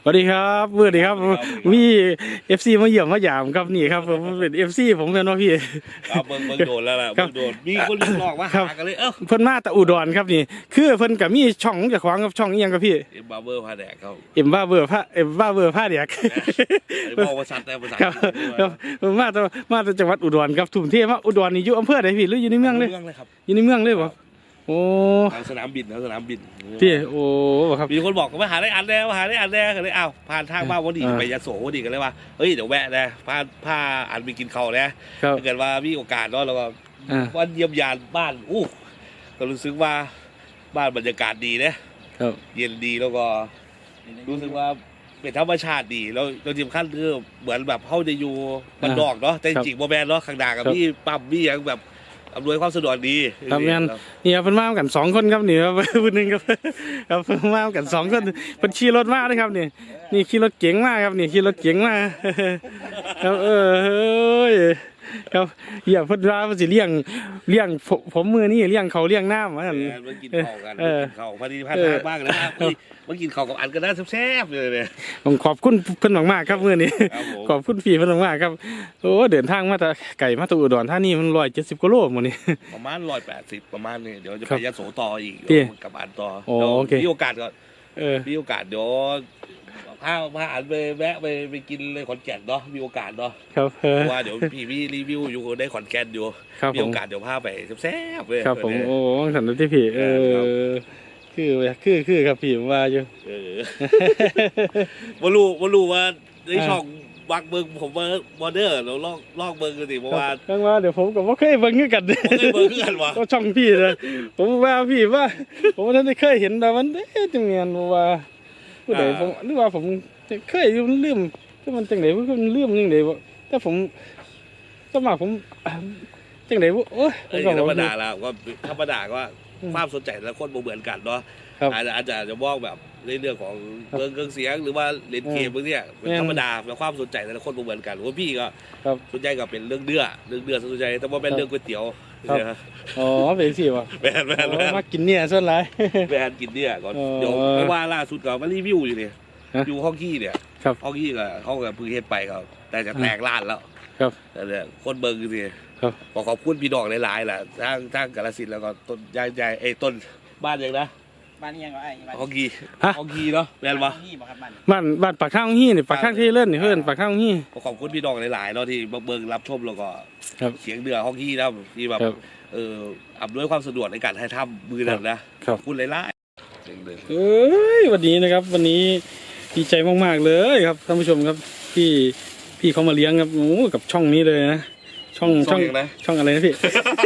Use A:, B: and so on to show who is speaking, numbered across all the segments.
A: สวัสดีครับสวัสดีครับมีFC มาเยี่ยมมาหยามครับนี่ครับผมเป็น FC ผมเป็นว่าพี่
B: ครับเบิ่งโดนแล้วล่ะเบิ่งโดนมีคนเรียกร้องมาหากันเลย
A: เพิ่นมาแต่อุดรครับนี่คือเพิ่นก็มีช่องเจ้าของกับช่องอีหยังครับพี่
B: เอ็มบาร์เบอร์พาแดกเขา
A: เอ็มบ้าเบอร์ผ้าเด็ก
B: บอกภาษาแต่ภาษา
A: ครับมาจากจังหวัดอุดรครับทุ่มเทมาอุดรนี่อยู่อำเภอใดพี่หรืออยู่ในเมืองเลย
B: ครับ
A: อยู่ในเมืองเลยบ่โอ้
B: สนามบิน
A: พี่โอ้ครับ
B: มีคนบอกว่าหาได้อันแน่เลยอ้าวผ่านทางบ้านวันดีไปยโสวันดีกันเลยว่าเฮ้ยเดี๋ยวแวะนะพาอันไปกินข้าวนะถ้าเกิดว่ามีโอกาสเนาะแล้วก็วันเยี่ยมยานบ้านก็รู้สึกว่าบ้านบรรยากาศดีนะเย็นดีแล้วก็รู้สึกว่าเป็นธรรมชาติดีแล้วเราทีมขั้นคือเหมือนแบบเข้าจะอยู่บ้านนอกเนาะแต่จริงโมแมนเนาะข้างหน้ากับพี่ปั๊มพี่ยังแบบอำนวยความสะดวกดี
A: ครับแม่นนี่ครับเพิ่นมากัน2คนครับนี่ครับผู้นึงครับเพิ่นมากัน2คนเพิ่นขี่รถมาด้วยครับนี่ขี่รถเก๋งมาครับนี่ขี่รถเก๋งมาครับครับอย่าเพิ่นว่าเพิ่นสิเลี้ยงผมมือนี่เลี้ยงเขาเลี้ยงน้ำว่าซั่น
B: มันกินข้าวกันข้าวพอดีพันทางบ้างนะครับมันกินข้าวกับอันก็น่าแซ่บเลยเนี่ย
A: ผมขอบคุณเพิ่นมากๆครับมื้อนี้ขอบคุณพี่เพิ่นมากๆครับโอ้เดินทางมาแต่ไกลมาแต่อุดรธานีมัน170กว่าโลมื้อนี้
B: ประมาณ180ประมาณนี้เดี๋ยวจะไปยโสต่ออีกกับอันต่อมีโอกาสก็มีโอกาสเดี๋ยวพาอันไปแวะไปกินเลยขอนแก่นเนาะมีโอกาสเนาะ
A: ครับ
B: ว่าเดี๋ยวพี่รีวิวอยู่ได้ขอนแก่นอยู่มีโอกาสเดี๋ยวพาไปแซ่บเลย
A: ครับผมโอ้สันติพี่คือครับพี่ว่าอยู่
B: ว่ารู้ว่าในช่องวักเบิ้งผมว่าบอร์เดอร์เราลอกเบิ้งกันสิเพราะว่า
A: ตั้งว่าเดี๋ยวผมกับว่าเคยเบิ้งกัน
B: วะ
A: ก็ช่องพี่เลยผมว่าพี่ว่าผมท่านได้เคยเห็นแต่มันจังเงียนว่าผู้ใดผมหรือว่าผมเคยลืมที่มันจังไหนมันลืมจังไหนแต่ผมสมัครผมจังไหนโอ้ย
B: ธรรมดาแล้วก็ธรรมดาก็ความสนใจแต่ละคนบ่เหมือนกันเนาะอาจจะมองแบบในเรื่องของเครื่องเสียงหรือว่าเล่นเกมพวกนี้เป็นธรรมดาแล้วความสนใจแต่ละคนบ่เหมือนกันว่าพี่ก็สนใจก็เป็นเรื่องเดือสนใจแต่ว่าเป็นเรื่องก๋วยเตี๋ยว
A: อ๋อเป็นสิวะ
B: แบน
A: มากินเนี่ยส่วนไร
B: แบนกินเนี่ยก่อนเดี๋ยวเพราะว่าล่าสุดก็มารีวิวอยู่เนี่ยอยู่ห้องขี้เนี่ยห้องขี้ก็เขาก็เพิ่งเฮ็ดไปก็แต่จะแตกล้านแล้วแต่เนี่ยคนเบิ่งสิขอบคุณพี่ดอกหลายๆแหละทางกาฬสินธุ์แล้วก็ต้นใหญ่ต้นบ้านยังนะ
C: บ้านยังไง
B: ห้องขี้เนาะแม่นปะ
A: บ้านปากข้างฮี่นี่ปากข้างที่เล่นนี่เพื่อนปากข้างฮี่
B: ขอบคุณพี่ดอกหลายๆเนาะที่เบิ่งรับชมแล้วก็เสียงเดือห้องขี้นะที่แบบอำนวยความสะดวกในการให้ทำมือนั่นนะขอบคุณหลาย
A: ๆวันนี้นะครับวันนี้ดีใจมากๆเลยครับท่านผู้ชมครับพี่เขามาเลี้ยงครับโอ้กับช่องนี้เลยนะช่องอะไรนะพี่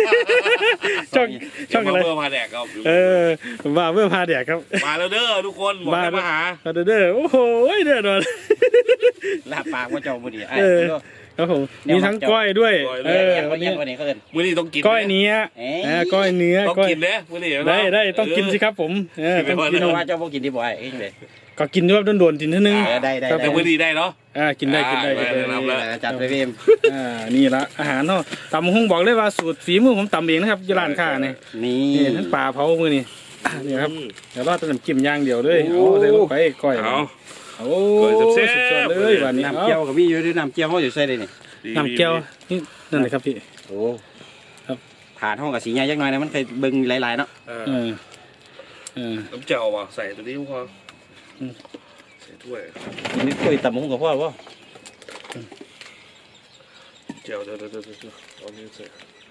A: ช่องอะไร
B: เบอร์พาแดกครับ
A: ว่าเบอร์พาแดกครับ
B: มาแล้วเด้อทุกคนมาหา
A: เด้อโอ้โหเด้อหน่อย
C: ลาปากว่าเจ้าบุรี
A: ครับผมมีทั้งก้อยด้วย
C: วันนี้เขาเอิ้น
B: มื้อนี้ต้องกิน
A: ก้อยเนื้อก้อยเนื้อ
B: ต้องกินเด้มื้อนี้
A: ได้ต้องกินสิครับผม
C: ต้องกินว่าเจ้าบ่กินดีบ่ไอ้เลย
A: ก็กินด้วยโดนๆทีนึง
C: ได้
B: แต่มื้อนี้ได้เนาะ
A: กินได้
C: จัดไปเพิ่ม
A: นี่ละอาหารเนาะตำหุ้งบอกเลยว่าสูตรฝีมือผมตำเองนะครับยี่ร้านค้าเนี่ยนี่ทั้งปลาเผามือนี่นี่ครับเดี๋ยวรอดน้ำจิ้มย่างเดียวเลยเอาใส่ลงไปก้อยโอ้สุดยอดเลยวันนี้
C: น้ำเจียวกับพี่อยู่ด้วยน้ำเจียวเขาอยู่ใส่เลยนี่
A: น้ำเจียวนี่นั่นเลยครับพี่
C: โอ้ครับผ่านห้องกับสีใหญ่ยักหน่อยนะมันเคยเบิ่งหลายๆเนาะ
B: น้ำเจียวว่ะใส่ตัวนี้พอใส่ถ้วย
C: นี่ถ้วยตำหุ้งกับพ่อวะ
B: เจียวเดี๋ยวเอานี้ใส่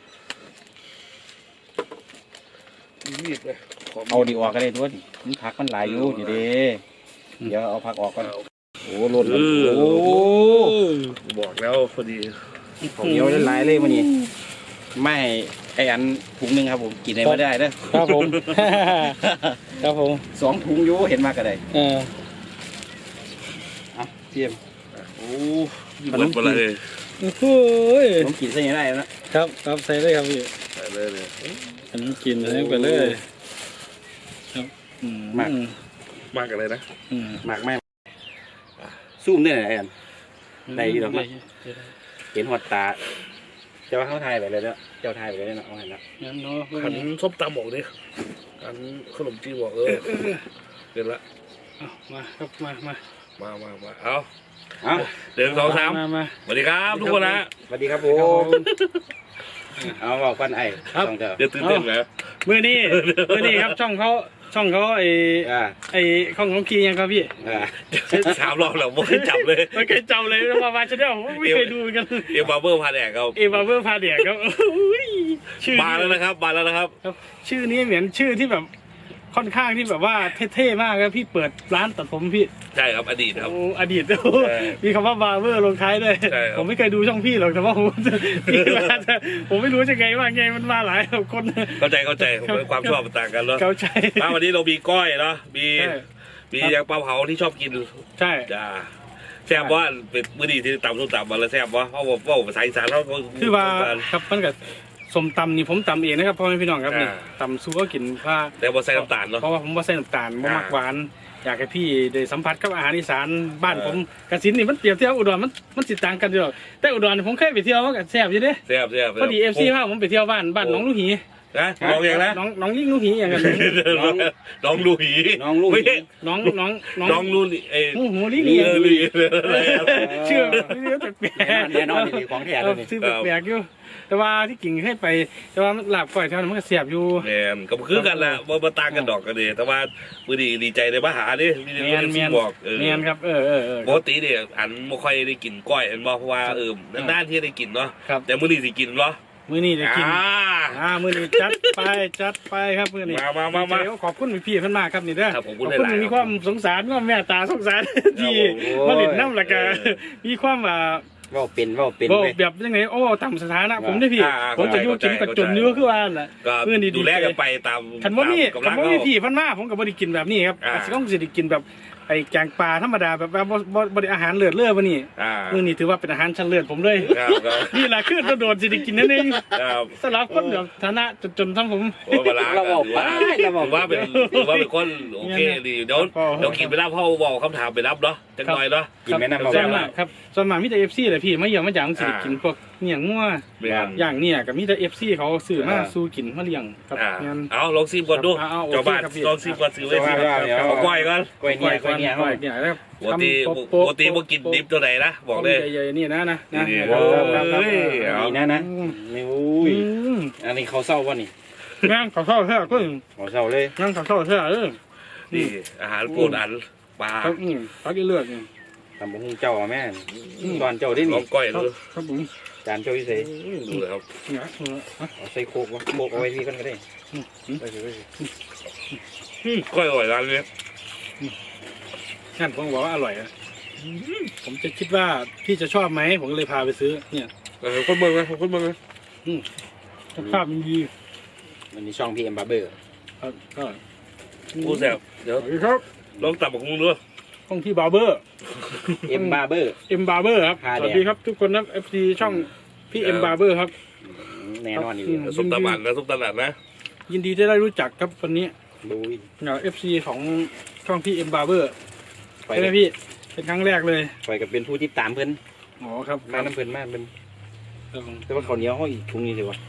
B: มีดเลย
C: เอาดีออกก็ได้ด้วยมันผักมันหลายอยู่นี่เด้เดี๋ยวเอาผักออกก่อนโอ้ล้น
B: โอ้บอกแล้วพอดี
C: ของเยอะหลายเลยมันนี่ไม่ไออันถุงนึงครับผมกินได้ไม่ได้เด้อ
A: ครับผม
C: 2 ถุงอยู่เห็นมากก็ได้เทียม
B: โอ้ยมันเป็นอะไร
A: โอ้ย
C: ผมกินใส่ได้แล้ว
A: นะครับใส่เลยครับพี่
B: ใส่เลย
A: ผมกินให้ไปเลยครับ
B: มากอะไรนะ
C: มากแม่ซูมได้ไหนอันได้ดีหรอเห็นหอดตาเจ้าเขาไทยไปเลยแล้วเจ้าไทยไปเลยนะเอาเห็นแล้ว
B: ขันส้มตำบอกดิขันขนมจีนบอกเดี๋ยวละ
A: มาครับมา
B: มาเอา
C: เอา
B: เดิน2 3
A: มา
B: สวัสดีครับทุกคนนะ
C: สวัสดีครับผมเอาบอกกันไอ้ต้องเจอ
B: เดี๋ยวตื่นเต้นไหม
A: มื้อนี้ครับช่องเขาไอ้ของคียังครับพี่
B: 3 รอบแล้วไม่เคยจับเลย
A: ไม่เคยจำเลยว่ามาชาแนลไม่เคยดูกัน
B: เอ็มบาร์เบอร์พาแดกครับ
A: เอวาเวอร์พาเดียครับชื่อ
B: มาแล้วนะครับ
A: ชื่อนี้เหมือนชื่อที่แบบค่อนข้างที่แบบว่าเท่ๆมากครับพี่เปิดร้านตัดผมพี่
B: ใช่ครับอดีตครับ
A: โอ้อดีตมีคำว่าบาร์เบอร์ลงท้ายด้วย
B: ใช่ครับ
A: ผมไม่เคยดูช่องพี่หรอกแต่ว่าผมไม่รู้จะไงว่าไงมันมาหลายคน
B: เข้าใจความชอบต่างกันเนาะ
A: เข้าใจ
B: วันนี้เรามีก้อยเนาะมี
A: ใช่
B: ยางปลาเผาที่ชอบกิน
A: ใช่
B: จ้าแซ่บว่าเป็นมื้อดีที่ตำส้มตำมาแล้วแซ่บว่าเพราะว่าภาษาอีสานเขา
A: คือว่าครับมันกับสมตำนี่ผมตำเองนะครับพ่อแม่พี่น้องครับนี่ตำซูก็กินว่า
B: แต่ว่าใส่น้ำตาลเนาะ
A: เพราะว่าผมว่าใส่น้ำตาลบ่มักหวานอยากให้พี่ได้สัมผัสกับอาหารอีสานบ้านผมกสินนี่มันเปรียบเทียบอุดรมันสิต่างกันอยู่หรอกแต่อุดรนี่ผมเคยไปเที่ยวมันก็แซ่บอยู่เด้
B: แซ่บ
A: พอดี FC พาผมไปเที่ยวบ้านน้องลูกหี
B: นะลองอย่างนะ
A: น้องลิงลูกหีอย่างกัน
B: น้องลูหี
C: น้องลูก
B: ไม่ใช่
A: น้อง
B: น้องลูหี
A: หูลิง
B: ลีลี
A: เชื่อแปลก
C: แน่นอนนี่ของแท้เลยนี่
A: ชื่อแปลกอยู่แต่ว่าที่กิ่งให้ไปแต่ว่าลาบก้อยเท่านั้นมันก็แซ่บอยู่
B: แมนก็คือกันแหละว่าต่างกันดอกกันเลยแต่ว่ามื้อดีใจในมาหาดิมี
A: เมียน
B: ที่บอก
A: ครับ
B: ปกติเนี่ยอันไม่ค่อยได้กินก้อยอันบอกเพราะว่านานๆที่ได้กินเนาะ
A: ครับ
B: แต่มื้อนี้สิกินเนาะ
A: มื้อนี้ได้กินมื้อนี้จัดไปครับมื้อนี้
B: มา
A: ขอบคุณพี่ๆเพิ่นมากครับนี่เด้อ
B: ครับผม
A: ขอบคุณมีความสงสารความเมตตาสงสารที่มาเล่นน้ำแล้วก็มีความ
C: ว่าเป็นเว้า
A: แบบยังไงต่ำสถานะผมได้พี่ผมจะอยู่กินกับจนอยู่คือว่าน่ะ
B: ก็
A: มื้อนี้
B: ดูแลกันไปตาม
A: คันว่ามี
B: กำลัง
A: พี่เพิ่นมาผมก็บ่ได้กินแบบนี้ครับอาจสิต้องสิได้กินแบบไอ้แกงปลาธรรมดาแบบว่าบ่ได้อาหารเลือดบ่นี่มื้อนี้ถือว่าเป็นอาหารชั้นเลือดผมเลย นี่ล่ะคือโดนสิได้กินนั่นเองสำหรับคนแบบฐานะจนทั้งผม
B: โอ้เวลา
C: เราบอกไปเราบอก
B: ว่าเป็นคนโอเคดีเดี๋ยวกินไปรับพ่อบอกคำถามไปรับเนาะจังหน่อยเนาะ
C: กินแม่น้ำเรา
A: ส่วนมากครับส่วนมากมีแต่ FC แหละพี่มาเยี่ยมมาหยังสิได้กินพวกเลี้ยงงัวอย่างเนี่ยก็มีแต่ FC เขาซื้อมาสู่กินมาเลี้ยงครับงั้น
B: เอาลองซิมก่อนดูเจ้าบ้านลองซิมก่อนซื้อไว้ซิเอาก้อยก่อน
C: กล้วยเนี่ย
A: ครับ
B: ปกติบ่กินดิบตัวไหนนะบอกเลย
A: ใหญ่ๆนี่นะ
B: นี่
C: โอ้
B: เอา
C: นี่นะนี่อุ้ยอันนี้เขาเศร้าป่ะนี่
A: งั้นขอเข้าเถอะก็
C: เขาเศร้าเลย
A: งั้นขอเข้าเถอะ
B: นี่อาหารโปรดอันปลา
A: ครับพักเลือด
C: ทำบุญเจ้าแม่ตอนเจ้าได้
B: ล
C: นี่
B: องก้อยดู
A: ครับผม
C: จานเจ้าพิเศษ
B: ดูเลยครับ
C: เอาใส่โคกวะโคกเอาไว้ที่กันก็ได้
B: ก้อยอร่อยร้านนี้
A: งั้นผมบอกว่าอร่อยอ่ะผมจะคิดว่าพี่จะชอบไหมผมก็เลยพาไปซื้อเนี่ย
B: คนเมืองนะคนเมืองนะ
A: ภาพมันดี
C: มันมีช่องพีเอ็มบาร์เบอร์
A: ก็
B: กูแซ่บเดี๋ยว
A: ครับ
B: ลองตับกับมึงดู
A: ช่องที่บาร์เบอร์
C: เอ็มบาร์เบอร์
A: เอ็มบาร์เบอร์ครับสวัสดีครับทุกคนนะ FC ช่องพี่เอ็มบาร์เบอร์ครับ
C: แน่นอนอยู่
B: ส้มตำอันนะส้มตำอันนะ
A: ยินดีที่ได้รู้จักครับวันนี้
C: ดู
A: FC ของช่องพี่เอ็มบาร์เบอร์ใช่ไหมพี่เป็นครั้งแรกเลย
C: ปล่อยกับเป็นผู้ที่ตามเพื่อน
A: อ๋อครับ
C: มาน้ำเพื่อนมากเป็นแต่ว่าเขาเหนียวเขาอีกถุงนี้สิวะ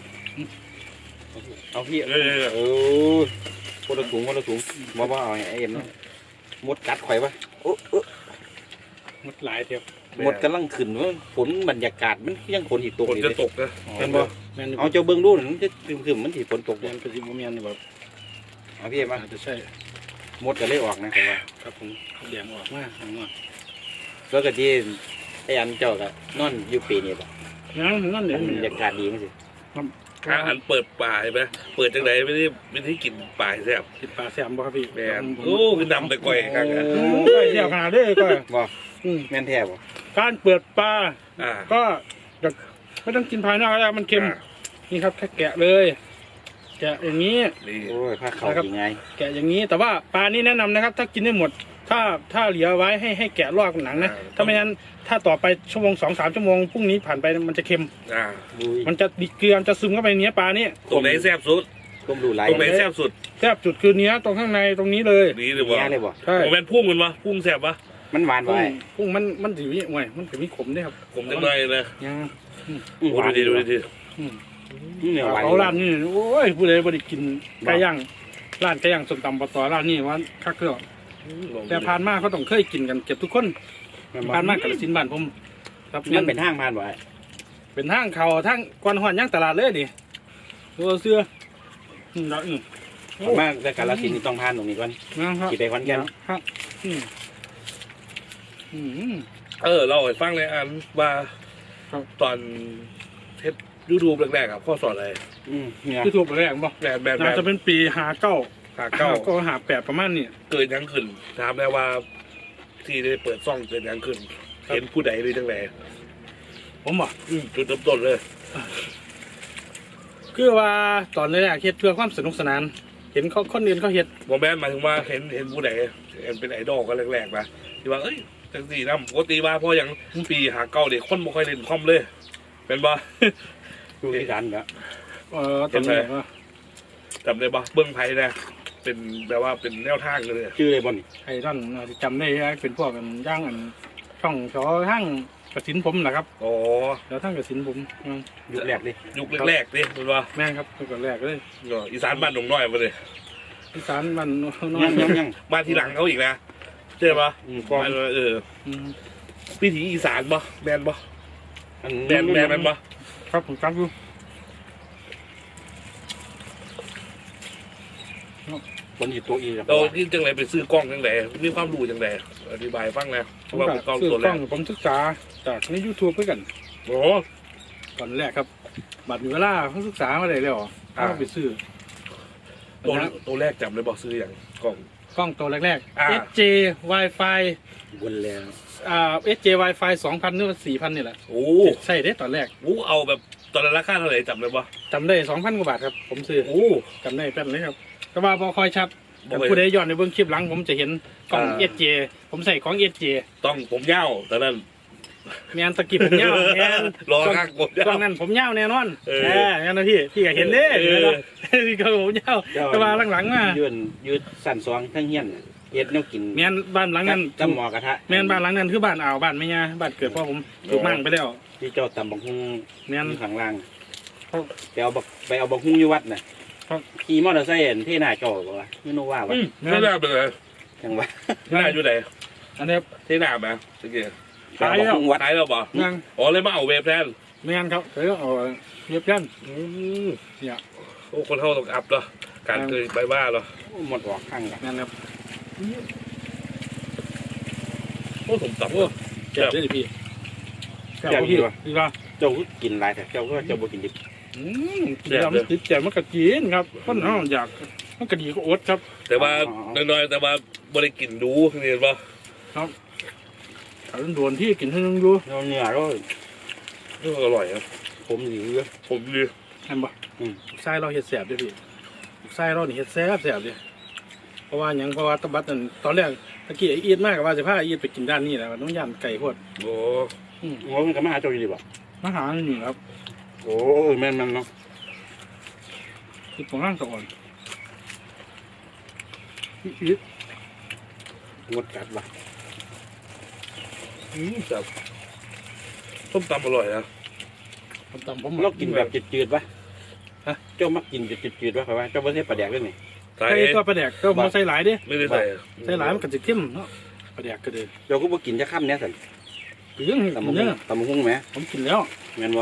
C: เอาพี่โอ้คนละถุงว่าเอาไอเอ็มมดกัดข่อยปะโอ้
A: หมดหลายเทียบ
C: มดกำลังขึ้นว่าฝนบรรยากาศมันยังฝนอีกตก
B: ฝนจะตกนะ
C: เห็นบ่
A: แมน
C: เอาเจ้าเบิ้งดูมันจะซึมมันที่ฝนตก
A: แมนเป็นสิบแมนแบบ
C: เอาพี่เอ็มมา
A: อาจจะใช่
C: มดก็เลยออกนะแต่ว่า
A: ครับผมเดียงออกมากมาก
C: แล้วก็ที่ไอ้อันเจ้าก็นอนอยู่ปีนี้ป่ะ
A: นั่นเดี๋ยว
C: บรรยากาศดีมั้งสิ
B: อันเปิดป่าใช่ไหมเปิดจังไหนไม่ได้กินป่าแซ่บ
A: ติดปลาแซมบ่ครับพี่
B: แมนโอ้คือดำแต่ก้อยครับ
A: ก้อยเที่ยวขนาดนี้ก้อย
C: บ่แม่นแท้บ่
A: การเปิดปลา
B: อ่า
A: ก็ไม่ต้องกินภายนอกแล้วมันเค็มนี่ครับแค่แกะเลย แกะอย่างนี้
B: นี่
C: โอ้ยผ้าขาวยังไง
A: แกะอย่างนี้แต่ว่าปลานี่แนะนำนะครับ ถ้ากินได้หมด ถ้าเหลือไว้ให้แกะลอกหนังนะถ้าไม่งั้นถ้าต่อไปชั่วโมง2-3 ชั่วโมงพรุ่งนี้ผ่านไปมันจะเค็ม
B: อ่า
A: มันจะดิเกลือจะซึมเข้าไปในเนื้อปลานี่
B: ตรงไหนแซ่บสุด
C: ก้มดูไหล
B: ตรงไหนแซ่บสุด
A: แซ่บจุดคือเนื้อตรงข้างในตรงนี้เลย
B: นี่หรือ
C: เนี้
B: ว่าย
C: เลยบ่
A: ใช่
B: ผมเป็นพุ่งมันวะพุ่งแซ่บปะ
C: มันหวานไว้
A: พุ่งมันถือนี่ห่วยมันถือมีขมด้วยครับ
B: ผมจังเลยนะ
A: ยัง
B: โอ้ดูดิดูดิ
C: เนี่ยหวาน
A: เขาร้านนี่โอ้ยผู้ใดบ่ได้กินไก่ย่างร้านไก่ย่างส้มตำปลาตอร้านนี่ว่าคักเกลือแต่ผ่านมาเขาต้องเคยกินกันเก็บทุกคนผ่านมากาฬสินธุ์บ้านผมครับ
C: มันเป็นห้างผ่านบ่ไอ้
A: เป็นทางเขาทางกวนหอนย่างตลาดเลยดิตัวเสื้อแล้ว
C: มากแต่กาฬสินธุ์นี่ต้องผ่านตรงนี้ก่อน
A: นะครับ
C: กี่ไปขอนแก่น
A: ครับ
B: เราให้ฟังเลยอันว่าตอนเทปดูแรกๆครับข้อสอนอะไร
C: เนี่ย
A: ที่ถูกแรกบ่
B: แบบ
A: น่าจะเป็นปี59
B: 59
A: ก็58ประมาณนี้
B: เกิดยังขึ้นถามได้ว่าที่ได้เปิดซ่องเกิดยังขึ้นเห็นผู้ใดหรือจังไร
A: ผมบอก
B: จุดเริ่มต้นเลย
A: คือว่าตอนแรกเฮ็ดเพื่อความสนุกสนาน เห็นเขาคนอื่นเขาเฮ็ด
B: โมแมนหมายถึงว่าเห็นผู้ใดเห็นเป็นไอดอลกันแรกๆนะที่ว่าเอ้ยจังสี่นะปกติว่าเพราะอย่างปี59เด็กคนบ่ค่อยเล่นคอมเลยเป็นบ่
C: ดูที่กันแล้ว
A: ตอนแรกว่า
B: จำได้บ่เบื้องไพ่นะเป็นแบบว่าเป็นแนวทางเลย
C: ชื่ออะไรบ่น
A: ไอ้ท่านจำได้เป็นพวกกันย่างอันช่องชอทั้งกระสินผมแหละครับ
B: อ๋อ
A: แล้วทั้งกระสินผม
C: ยุคแรกดิ
B: ยุคแรกๆดิเป็นว่า
A: แม่ครับตั้งแต่แรกเลย
B: อีสานบ้านหนองน้อยมาเลย
A: อีสานมันน้อ
C: ยัง
A: ย
C: ยังยัง
B: มาทีหลังเขาอีกนะใช่ปะ
C: กอง
B: พิธีอีสานบ่แมนบ่
C: อัน
B: แมนบ่
A: ครับผมจำอยู่
C: คนอยู่ตัวอีครับ
B: เราที่จังไรไปซื้อกล้องจังไรมีความรู้จังไรอธิบายฟังนะ
A: ผม
B: ว่า
A: ก็
B: เป็นกล้อง
A: ซื้อ
B: ตัวแร
A: กล้อก งผมศึกษาจากใน YouTube เพื่อกัน
B: โอ้
A: ตอนแรกครับบัตรมีเวลาเขาศึกษามาได้แล้วเขาไปซื้อ
B: ตัวแรกจำเลยบอกซื้ออย่างกล้อง
A: กล้องตัวแรก
B: อ่า
A: ๆ SJ Wi-Fi
C: วนแล้ว
A: SJ Wi-Fi 2,000หรือว่า4,000นี่แหละ
B: โอ้
A: ใช่เด้ตอนแรก
B: โหเอาแบบตอนนั้นราคาเท่าไหร่จำเลยบ่
A: จำได้ 2,000 กว่าบาทครับ ผมซื้อ
B: โอ้
A: จำได้แป๊บเลยครับแต่ว่าพอคอยชัด
B: บ่
A: แต่
B: ค่อย
A: ผู้ใดย้อนในเบื้องคลิปหลังผมจะเห็นกล้อง
B: อ่า
A: SJ ผมใส่ของ SJ
B: ต้องผมยาวตอนนั้น
A: แมนตะกี้ผมยาวแมน
B: รอข้างผมยาว
A: กล้องนั้นผมยาวแน่นอน
B: เออ
A: งั้นนะพี่ก็เห็นเด้
B: เออ
A: เห็นไหมล่ะพี่ก็ผมยาวแต่ว่าหลังๆมา
C: ยืดสั่นซองทั้งเฮี้ยนเฮ็ดแนวกิน
A: แมนบ้านหลังนั้น
C: จำหมอกระทะ
A: แมนบ้านหลังนั้นคือบ้านอ่าวบ้านไม่ยาบ้านเกิดพ่อผมถูกมั่งไปแล้ว
C: ที่เจ้าตำบักฮุง
A: แมน
C: ข้างล่างไปเอาบักฮุงอยู่วัดน่ะขี่มอเตอร์ไซค์ที่หน้าเจ้าบ่วะไม่รู้ว่าว่ะ
B: ไม่น่าเป็นไร
C: จังหวะ
B: ที่หน้าอยู่ไหน
A: อันนี้
B: ที่หน้าไหมสังเกต
A: ขายแล้ว
B: ขายแล้วบ่
A: ยัง
B: อ๋อเลยมาเอาเวฟแทน
A: แมนครับเดี๋ยวเอาเรียบยัน เนี่ย
B: โอ้คนเท่าต้องอัพเหรอการเคยไปบ้าเหรอ
C: หมดออกข้างกัน
A: แมนครับ
B: โอ้ผมตับ
A: โอ้เจ็บได้ดิพี่แซ่บบ่พี่ดีป่ะ
C: เจ้าก็กินหลายแต่เจ้าบ่กินดิบ
A: กินแล้วมันติดใจมันก็กินครับคนเอาอยากมันก็ดีก็อดครับ
B: แต่ว่าน้อยๆแต่ว่าบริกินดูเห็นป่ะ
A: ถ้าโดนที่กินให้นึงอยู่
C: เนื้อเรา
B: อร่อยครับ
C: ผมหลีเยอะ
B: ผมดี
A: เห็นปะไส้เราเห็ดแสบด้วยพี่ไส้เรานี่เห็ดแสบเลยเพราะว่าอย่างเพราะว่าตะบัดนั่นตอนแรกตะกี้ไอ้อีดมากกับว่าจะพาไอ้อีดไปกินด้านนี้แหละน้องย่านไก่โคตร
B: โอ้
C: โอ้มันก็มาหาเจ้าอยู่ดิบ่
A: มาหาหนึ่งครับ
C: โอ้แม่นเนาะ
A: ที่ผมร่างสะอ่อนอีด
C: งดกัดว่ะ
B: จับส้มตำอร่อยนะ
A: ผมตำผม
C: เรากินแบบจืดๆป่ะฮะเจ้ามักกินแบบจืดๆป่ะครับว่าเจ้าไม่ใช่ปลาแดกด้วยนี่
B: ใส่
A: ใส่ตัวปลาแดกก็มาใส่หลายเด้
B: ไม่ได้ใส่
A: ใส่หลายมันก็จะเข้มเนาะปลาแดกก็เลย
C: เจ้าก็บ่กินจะข้ามเนี้ยสัน
A: เรื่อง
C: ตำบัก
A: เนื้
C: หุ่
A: อง
C: ตำบักหุ่งไหม
A: ผมกินแล้ว
C: แม่นบ่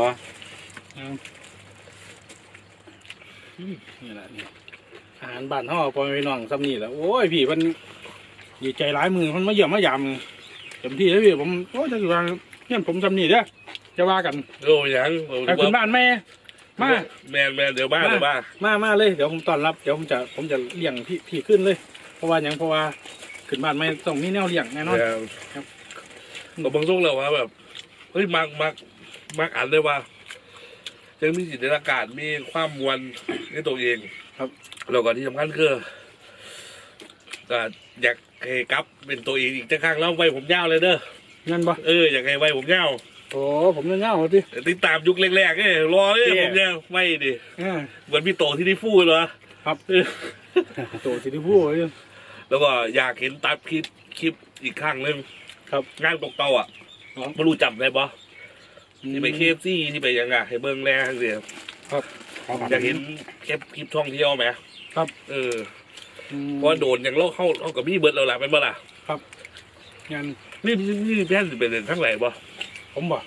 A: นี่แหละนี่อาหารบ้านห่อพอไปน้องซ้ำนี่แหละโอ้ยพี่มันดีใจหลายมือมันมาเยี่ยมมายามเต็มที่แล้วพี่ผมโอ้ยจะอยู่ว่าเนี่ยผมซ้ำนี่เด้อจะว่ากัน
B: โอ้ยัง
A: ไปคุณบ้านแม่มา
B: แมนเดี๋ยวบ้า
A: มาเลยเดี๋ยวผมต้อนรับเดี๋ยวผมจะเลี้ยงพี่ขึ้นเลย เพราะว่าอย่างเพราะว่าขึ้นบ้านไม่ต้องมีแนวเลี้ยงแน่นอน
B: เราบางช่วงเราว่าแบบเฮ้ยมักอ่านเลยว่ายังมีจินตนาการมีความมวลในตัวเอง
A: ครับ
B: แล้วก็ที่สำคัญคือก็อยากให้กลับเป็นตัวเองอีกจะข้างแล้วไว้ผมยาวเลยเด้อ
A: งั้นปะ
B: อยากให้ไว้ผมยาว
A: โอ้ผมเงาๆพี่
B: ติดตามยุคแรกๆรอเลยผมยาวไม่ดิเหมือนพี่โตที่ได้พูดเหรอ
A: ครับโตสิที่พูด
B: แล้วก็อยากเห็นตัดคลิปอีกครั้งหนึ่ง
A: ครับ
B: งานตกเตาอ่ะไม่รู้จำได้ปะที่ไปเคฟซี่ที่ไปยังไงให้เบิ้งแรกเดียว
A: ครับ
B: อยากเห็นคลิปท่องเที่ยวไหม
A: ครับ
B: เพราะโดนอย่างเราเข้ากับพี่เบิร์ดเราละเป็นบ่ล่ะ
A: งาน
B: นี่แพทย์เป็นทั้งไหนบ่
A: ผมบอก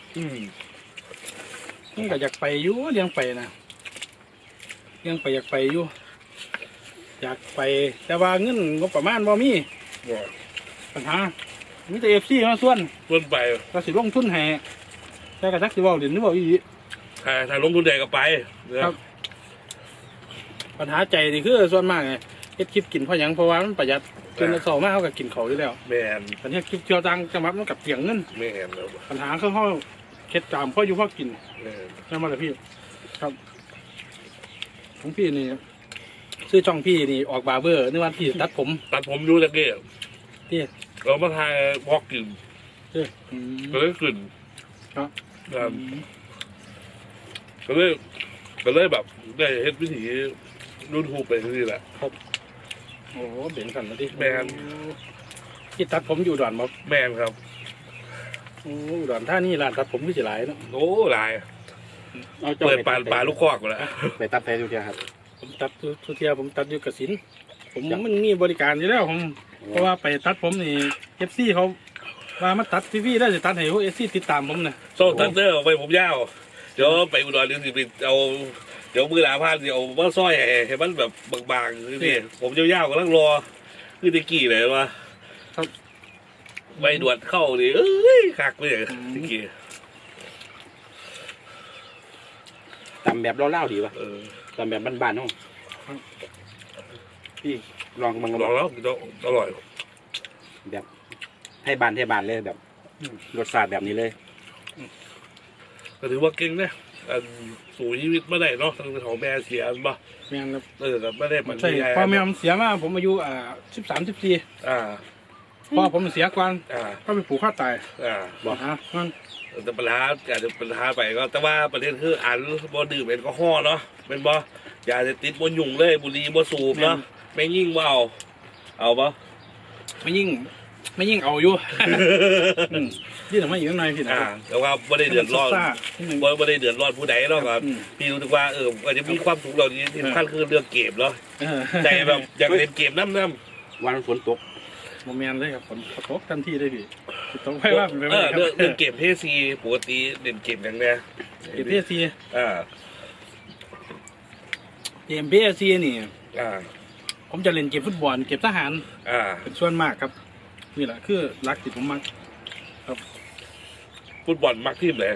A: ผมก็อยากไปอยู่เลี้ยงไปนะเลี้ยงไปอยากไปอยู่อยากไปแต่ว่าเงินงบประมาณบ่มีปัญหามีแต่FCมาส่วน
B: เพิ่นไป
A: ก็สิลงทุนให้แต่ก็จักสิเว้าเด่นหรือเว้าอีหลี
B: ถ้าลงทุนใหญ่ก็ไป
A: ครับ ปัญหาใจนี่คือส่วนมากไงเฮ็ดคลิปกินเพราะหยังเพราะว่ามันประหยัดจนเราเศร้ามากเขาก็กินเขาอยู่แล้ว
B: แม่น
A: ตอนนี้คลิปเที่ยวตังจังหวัดมันกับเสียงเงิน
B: แม่นแล้ว
A: ปัญหาคือเขาเค็ดจามเพราะอยู่เพราะกิน
B: แม่น
A: นั่นมาเลยพี่ ครับของพี่นี่ซื้อช่องพี่นี่ออกบาร์เบอร์ในวันที่ตัดผม
B: ตัดผมอยู่ตะเกียบ
A: ที่
B: เรามาทายพอกกิน
A: ที่
B: ก็เลยกลิ่น
A: ครับ
B: ก็เลยแบบได้เฮ็ดวิถีรุ่นฮูไปที่นี่แหละ
A: โอ้โหเบ่งสันมาดิ
B: แม่น
A: ที่ตัดผมอยู่อุดอนบ่
B: แม่นครับ
A: โอ้อุดอนท่านี่ร้านตัดผมก็สิหลายเนาะ
B: โอ้หลาย
C: เอาจ้
B: เปิดปลาลูกคอกหมดแล้ว
C: ไปตัดแต่ดูเดียวครับ
A: ผมตัดทุกเทียผมตัดอยู่กสินผมมันมีบริการอยู่แล้วผมเพราะว่าไปตัดผมนี่FCเขาว่ามาตัดทีวีได้สิตัดให้พวกFCติดตามผมนะ
B: โซ่ตันเตอร์ไปผมยาวเดี๋ยวไปอุดรเดี๋ยวสิไปเอาเดี๋ยวมือหลาพานเดี๋ยวมาซอยให้มันแบบบางๆนี่ผมยาวๆกำลังรอคือตะกี้เลยว่าใบดวดเข้าดิเอ้ยคักเลยตะกี้
C: ตำแบบเล่าๆดีป่ะตำแบบบ้านๆน้องพี่ลองมัน
B: ลองแล้วอร่อย
C: แบบให้บานเลยแบบรสชาติแบบนี้เลย
B: ก็ถือว่าเก่งนะสู่ชีวิตไม่ได้เนาะทางของแม่เสียบ่
A: แม่นครับ
B: แต่ไม่ได้มัน
A: ใช่พ่อแม่ผมเสียมาผมอายุ13-14
B: อ่า
A: พ่อผมเสียก่อน
B: อ่า
A: ก็ไปผูกคอตาย
B: อ่า
A: บอกฮะมัน
B: แต่ปัญหาอาจจะปัญหาไปก็แต่ว่าประเด็นคืออันบ่ดื่มแอลกอฮอล์เนาะเป็นบ่อย่าจะติดบ่ยุ่งเลยบุหรี่บ่สูบเนาะไม่ยิ่งบ่เอาบ่
A: ไม่ยิ่งเอาอยู่ นี่ทำไมอยู่ข้างในพี่นะ
B: แต่ว่าบ่ได้เดือดร้อน
A: ซ่านิดนึง
B: บ่ได้เดือดร้อนผู้ใดเนาะครับพี่รู้สึกว่าอาจจะมีความสุขเหล่านี้ที่สำคัญคือเรื่องเกมเนาะใจแบบอยากเล่นเกมน้ำ
C: วันฝนตก
A: โมเมนเลยครับผมตกทันทีเลยพี่ต้องไปว่าเป็นไป
B: เอ
A: ไม่
B: อ
A: ได้ครับ
B: เรื่องเกมเพซีปกติเล่นเกมอย่างเนี้ย
A: เกมพีเอซี
B: อ่า
A: เกมพีเอซีนี่
B: อ่า
A: ผมจะเล่นเกมฟุตบอลเกมทหาร
B: อ่า
A: เป็นส่วนมากครับนี่แหละคือรักที่ผมมัก
B: ฟุตบอลมักทีมเลย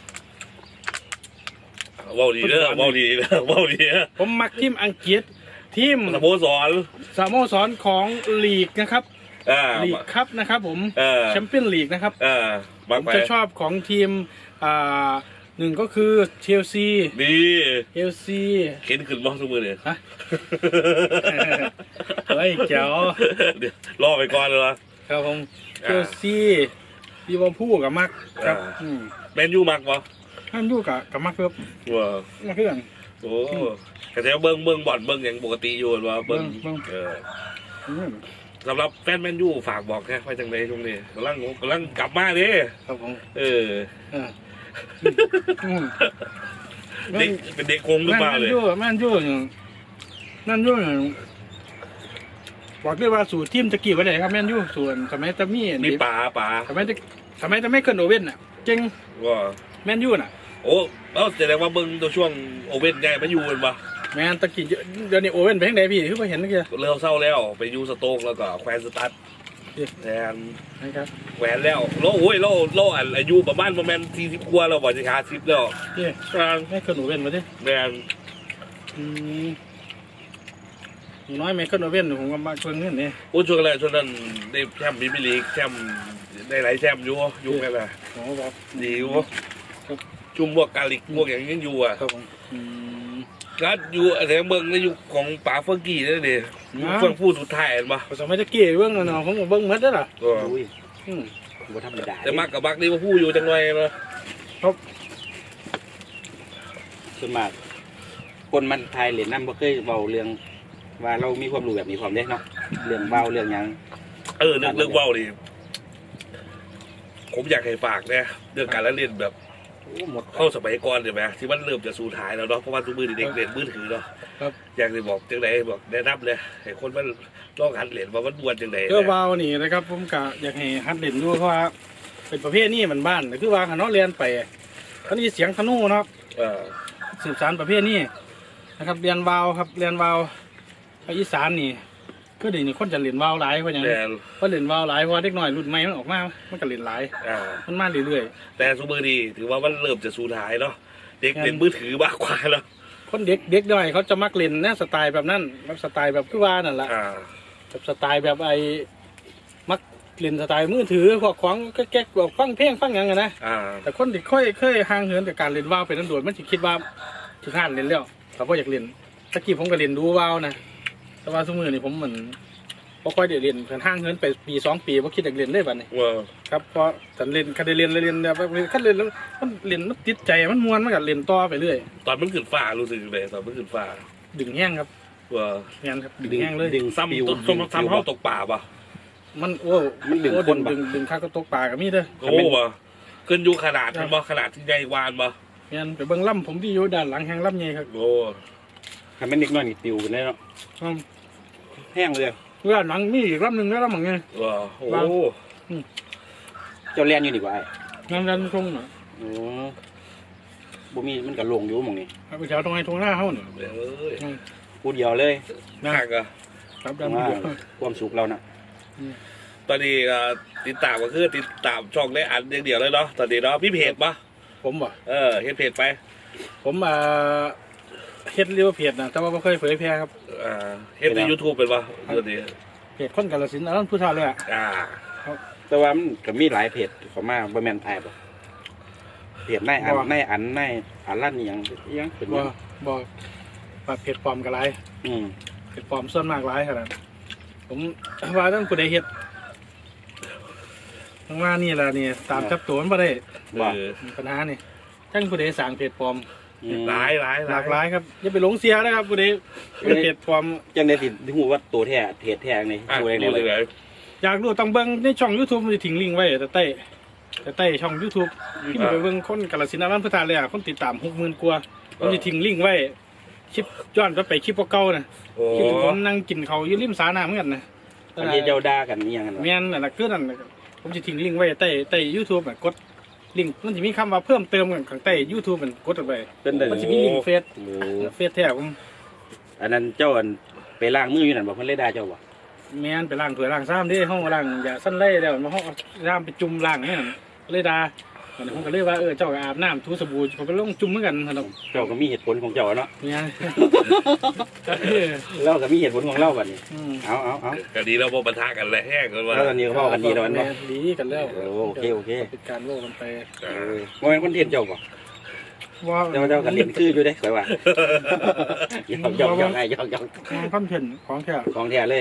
B: ว้าวดีเด้อว้าวดีเด้อว้าวดีเด้อ
A: ผมมักทีมอังกฤษทีม
B: สโมสร
A: สโมสรของลีกนะครับ
B: อ่า
A: ลีกครับนะครับผม
B: แช
A: แชมเปี้ยนลีกนะครับ
B: มั
A: ผ
B: ก
A: ม
B: ไป
A: จะชอบของทีมหนึ่งก็คือเชลซี
B: ดี
A: เชลซี
B: เข็นขึ้นบ้างทุกมือเลย
A: ฮะ เฮ้ยเจ๋ว
B: เดี๋ยวรอไปก่อนเลยวะ
A: ครับผมเชลซีลิเวอร์พูลกับมักครับ
B: แมนยูมักปะ
A: ท่านอยู่กับมักครับ
B: ว้า
A: มักเพื่อน
B: โอ้แต่เบิ้งบอลเบิ้งอย่างปกติอยู่ว่าเบิ้ง
A: เบิ่ง
B: สำหรับแฟนแมนยูฝากบอกแค่ไปจังเลยช่วงนี้กำลังกลับมาดิ
A: ครับผม
B: เออ
A: อืม
B: เด็กเป็นเด็กคงหรือเปล่าเลย
A: แม่นอยู่อย่างบอกได้ว่าสูตรทีมตะกี้ไว้ไหนครับแม่นอยู่ส่วนสมัยตะมี่
B: มีป๋า
A: สมัยจะไม่เกินโอเว่นน่ะเจ๋ง
B: ว่า
A: แม่นอยู่น่ะ
B: โอ้แสดงว่าเบิ้งตัวช่วงโอเว่นใหญ่มาอยู่กันปะ
A: แม่นตะกี้เดี๋ยวนี้โอเว่นไปทางไหนพี่คือไปเห็นเมื่อกี้
B: เริ่มเศร้าแล้วไปยูสโต๊กแล้วก็แควนสตัดแทน
A: นะครับ
B: แหวนแล้วโลอายุประมาณ40 กว่าแล้วบ่จะ50แล้ว
A: พี่ไม่เกินโอเว่นมาดิ
B: แม่น
A: อย่างน้อยไม่เกินโอเว่นผมก็มาชวนเงินนี่
B: โอ้ช่วงแรกช่วงนั้นได้แชมป์พรีเมียร์ลีกแชมป์ได้หลายแชมป์อยู่กันน่ะ
A: โอ้บอก
B: ดีอยู่จุ่มพวกกาลิกพวกอย่างนี้อยู่อ่ะ
A: ครับผม
B: ก็อยู่แต่เมืองในยุคของป๋าเฟอร์กี้นั่นเองเฟื่องฟูดสุดท้ายเห็นปะ
A: สมัยตะกี้เบื้องน่ะผมเบื้องมัดได้หรอ
B: ก็
C: อุ้ยบ่ธรรมดา
B: แต่มักกับบักนี่มาพูดอยู่จังเลยนะ
C: ส่วนมากคนมันไทยเหรียญนั่นบ่เคยเบาเรื่องว่าเรามีความรู้แบบนี้ความเด้เนาะเรื่องเบาเรื่องหยัง
B: เรื่องว่าวดิผมอยากให้ฝากเนี่ยเรื่องการละเล่นแบบ
C: หมด
B: เข้าสมัยก่อนเดี๋ยวไหมที่มันเริ่มจะสูญหายแล้วเนาะเพราะว่าทุกมือเด็กเล่นมือถือเนาะ
A: ครับ
B: อยากจะบอกจังไหนบอกแนะนำเลยให้คนมันลองหัดเล่นว่ามันม่วนจังไหน
A: ก็วาวนี่นะครับผมกะอยากให้ฮัดเล่นดูเพราะว่าเป็นประเภทนี้มันบ้านแต่คือว่าขนอเรียนไปเขานี่เสียงธนูนะครับ
B: เออ
A: สืบสานประเภทนี้นะครับเรียนวาวครับเรียนวาวภาคอีสานนี่คือเดี๋ยวนี้คนจะเรียนวาวหลายเพราะอย่าง
B: แต่
A: เพราะเรียนวาวหลายเพราะว่าเด็กน้อยรุ่นใหม่มันออกมามันก็เรียนหลาย
B: อ่า
A: มันมาเรื่อย
B: แต่สมัยนี้ถือว่ามันเริ่มจะสูญหายเนาะเด็กเล่นมือถือมากกว่าแล้ว
A: ๆคนเด็กน้อยเขาจะมักเล่นนะสไตล์แบบนั้นแบบสไตล์แบบคือว่านั่นแหละ
B: อ่า
A: แบบสไตล์แบบไอ้มักเล่นสไตล์มือถือพวกของแก๊กๆแบบฟังเพลงฟังหยังไงนะ
B: อ่า
A: แต่คนที่เคยห่างเหินจากการเล่นว่าวเป็นตำรวจมันจะคิดว่าถึงขั้นเล่นแล้วเขาก็อยากเล่นตะกี้ผมก็เล่นดูว่าวนะแต่ว่าสมือนี่ผมเหมือนพอค่อยได้เล่นเพิ่นห่างเหินไปปี2 ปีผมคิดอยากเล่นเลยบัดนี้
B: ว่า
A: ครับเพราะฉันเล่นคันได้เล่นแบบคันเล่นแล้วมันเล่นมันติดใจมันม่วนมันก็เล่นต่อไปเรื่อย
B: ตอนมันขึ้นฟ้ารู้สึกเลยตอนมันขึ้นฟ้า
A: ดึงแห้งครับ
B: ว่า
A: งานครับดึงแห้งเลย
C: ดึง
B: ซ้ำ
C: ปิว
B: ต้นซ้ำเข้าตกป่าป่ะ
A: มันโอ้
C: มันดึง
A: โอ้
C: คนปะ
A: ดึงข้าวก็ตกปลากับมีเด้อ
B: โอ้ป่ะขึ้นอยู่ขนาดมันบ่ขนาดที่ใหญ่วานป่ะ
A: งานไปเบิ่งล่ำผมที่อยู่ด้านหลังแห้งล่ำใหญ่ครับ
B: โอ้
C: ทำเป็นเด็กน้อยนี่ติวกันได้เนาะ
A: อืม
C: แห้งเลย
A: ด้านหลังมีอีกล่ำหนึ่งแล้วล่ำเหมือนไง
B: ว่าโอ้
C: เจ้าเรียนอยู่ดีกว่าไอ้
A: งานดันทรงน่ะ
C: โอ้บ่มีมันก็ลงอยู่หมองนี้
A: เอาไปแถวตรงไหนตรงหน้าเขาเนี่ย
B: เอ้ย
C: ผู้เดียวเลย
A: นะ
B: ข้างก็
A: ครับดัน
C: ว่า
A: เดียว
C: ความสุขเราน่ะ
B: ตอนนี้ติดตามก็คือติดตามช่องได้อันอย่างเดียวเลยเนาะตอนนี้เนาะพี่เพจป่ะ
A: ผมบ่
B: เฮ็ดเพจไป
A: ผมเฮ็ดเรียกว่าเพจนะแต่ว่าไม่เคยเผยแพร่ครับ
B: เฮ็ดใน YouTube เป็นป่ะตอนนี้
A: เพจคนกาฬสินธุ์อันนั้นผู้ชายเลยอ่ะ
B: อ่า
C: แต่ว่ามันก็มีหลายเพจเข้ามาบ่แม่นไทยบ่เพจนายอันนายอันนายอันลั่นอีหยังอีหยังเป็น
A: บ่
C: ว่า
A: บ่ว่าเพจปลอมก็หลาย
C: อืม
A: เพจปลอมส่วนมากหลายขนาดผมว่าต้องผู้ใดเฮ็ดทั้งว่านี่ล่ะนี่ตามจับตัวมันบ่ได้
C: ว่า
A: ปัญหานี่ทั้งผู้ใดสร้างเพจปลอม
C: อืม
B: หลาย
A: หลากหลายครับอย่าไปหลงเสียนะครับผู้ใดเป็นเพจปลอม
C: จังได้สิฮู้ว่าตัวแท้เพจแท้นี่
B: อ่ะ
C: ฮู้ได้
B: ดู
C: ไง
B: เลย
A: อยากรู้ต้องเบิ่งในช่อง YouTube มันจะทิ้งลิงก์ไว้แต่ใต้ช่อง YouTube พี่ไปเบิ่งคนกาฬสินธุ์อรันพุทธาเลยอ่ะคนติดตาม 60,000 กว่าผมจะทิ้งลิงก์ไว้คลิปย้อนไปคลิปเก่าๆน่ะ
B: โอ้
A: คลิปที่ผมนั่งกินข้าวอยู่ริมสาน้ำเหมือนกันนะ
C: อันนี้เจ้าด่ากันอีหยังกันวะ
A: แม่นนั่นน่ะคือนั่นน่ะผมจะทิ้งลิงก์ไว้ใต้ YouTube น่ะกดลิงก์มันจะมีคำว่าเพิ่มเติมกันข้างใต้ YouTube มันกดออกไป
C: เป็นได้
A: มันจะมีลิงก์เฟซ
C: โอ้
A: เฟซแท้ผม
C: อันนั้นเจ้าอันไปล้างมืออยู่นั่นบ่เพิ่นเลยด่าเจ้าบ่
A: แม่นไปล้างถ้วยล้างซ้ำเด้ห้องล้างอย่าสั้นไล่แล้วมาห้องซ้ำไปจุ่มล้างเนี่ยเลยด่าวันนี้ผมก็เลยว่าเจ้าก็อาบน้ำถูสบู่ผมก็ลงจุ่มเหมือนกันครับ
C: เจ้าก็มีเหตุผลของเจ้าเนาะ
A: เนี่ย
C: เราก็มีเหตุผลของเราบัดนี้
A: อืม
C: เอา
B: ก็ดีแล้วบ่ปะทะกันแล้วแห้งกันว่า
C: แล้วตอนนี้ก็เว้ากันดีแล้วมันบ่
A: ดีกันแล้ว
C: โอเค
A: เป็นการโลกกันไป
C: บ่แม่นคอนเทนต์เจ้าบ่
A: ว่า
C: เจ้าก็เล่นคืออยู่เด้ข่อยว่าหยอกให้หยอก
A: คอนเทนต์ของแท้
C: ของแท้เลย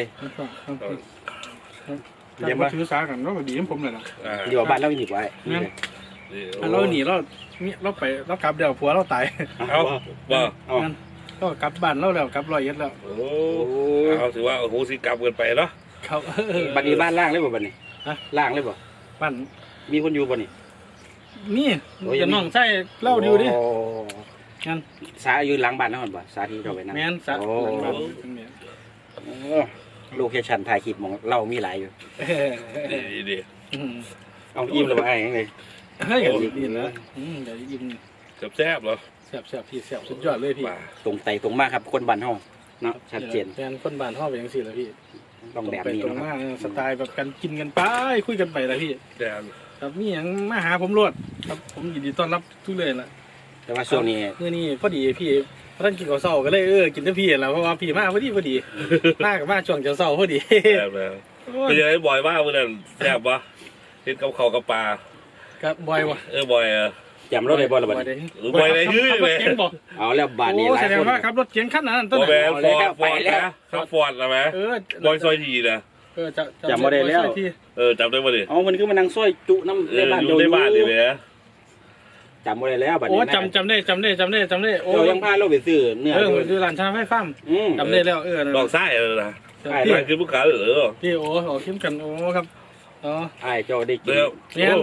A: แต่มาถือสากันเราก็ดีของผมเลยนะ
C: อยู่บ้านเราอีกไว้
A: เราหนีเราไปเรากลับเดี๋ยวผัวเราตาย
B: เอาบ่
C: เอา
A: งั้นก็กลับบ้านเราแล้วกลับร้อยเอ็ดแล้ว
B: โอ้เอาถือว่าโอ้โหสิกรรมเกินไปเนาะ
A: ครับ
C: บัดนี้บ้านล่างเลยบ่บัดนี้
A: ฮะ
C: ล่างเลยบ่
A: บ้าน
C: มีคนอยู่บ่นี่
A: นี่จะน้องใช่เล่าดูดิ
C: โอ้
A: งั้น
C: สาอยู่หลังบ้านนั่นบ่สาที่เราไปนั่ง
A: แม่นสัก
C: โอ้
A: หลังบ้านตรงเนี้ย
C: โลเคชั่นถ่ายคลิปหมองเรามีหลายอยู่
B: ดี
A: อืม
C: เอาอิ่มแล้วบ่ไอ้ยังไง
A: เฮ้ยดีแล้วเดี๋ยวยิง
B: แซ่บเหรอ
A: แซ่บพี่แซ่บสุดยอดเลยพี่
B: มา
C: ตรงไตตรงมาครับคนบ้านเฮาเนาะชัดเจน
A: แฟนคนบ้านห้องเป็นยังสี่แล้วพี่
C: ต้องแบบ
A: ไป
C: นี้
A: ตรง
C: เนาะ
A: มาสไตล์แบบกันกินกันไปคุยกันไปแล้วพี่
B: แดน
A: ครับนี่ยังมาหาผมรวดครับผมยินดีต้อนรับทุกเลยล่ะ
C: แต่ว่าช่วงนี้
A: เมื่อนี้พอดีพี่ท่านกินข้าวเช้าก็เลยกินแต่พี่แล้วเพราะว่าพี่มาพอดีมากับมาช่วงเช้าพอดี
B: แซ่บแล้วเป็นยังไงบ่อยมากเมื่อนั้นแซ่บปะเห็นกับเขากับปลา
A: ครับบอยวะ
B: บ่อย
C: จำรถได้บ่ล่ะบัด
A: บ่อย
C: นี้
B: บ่อยเลยฮื้อ
A: ขับร
B: เล
A: ถ
B: ย
A: เก๋งบอก
C: เอาแล้วบ้านนี้
A: โอ้
C: หลาย
A: แสดง
C: คน
A: ว่าขับรถเก๋งขั้นนั้นต้น
B: บ่
A: ไห
B: แม
A: น
B: นฟอร์ดนะขับฟอร์ดนะแม่
A: บ
B: อยซอยทีนะ
A: จำบ่ได้แล้ว
B: จำได้ป่ะดิ
C: เอามันคือมานั่งซอยจุน้ำในบ้าน
B: อยู่ในบ้านนี่เลย
C: จำบ่ได้แล้วบัด
A: โอ้
C: นี้
A: จำได้โอ้
C: เรายังพาเราไปซื้อเนื้อ
A: ดูร้านชาไฟฟ้า
C: อืม
A: จำได้แล้ว
B: ลองไส้เลยนะ
C: ใช่
B: ไส้คือผู้ขาเหรอ
A: พี่โอ้เข้มกันโอ้ครับอ๋อ
C: ไอ้เจ้าได้กิน
B: เดี๋ยว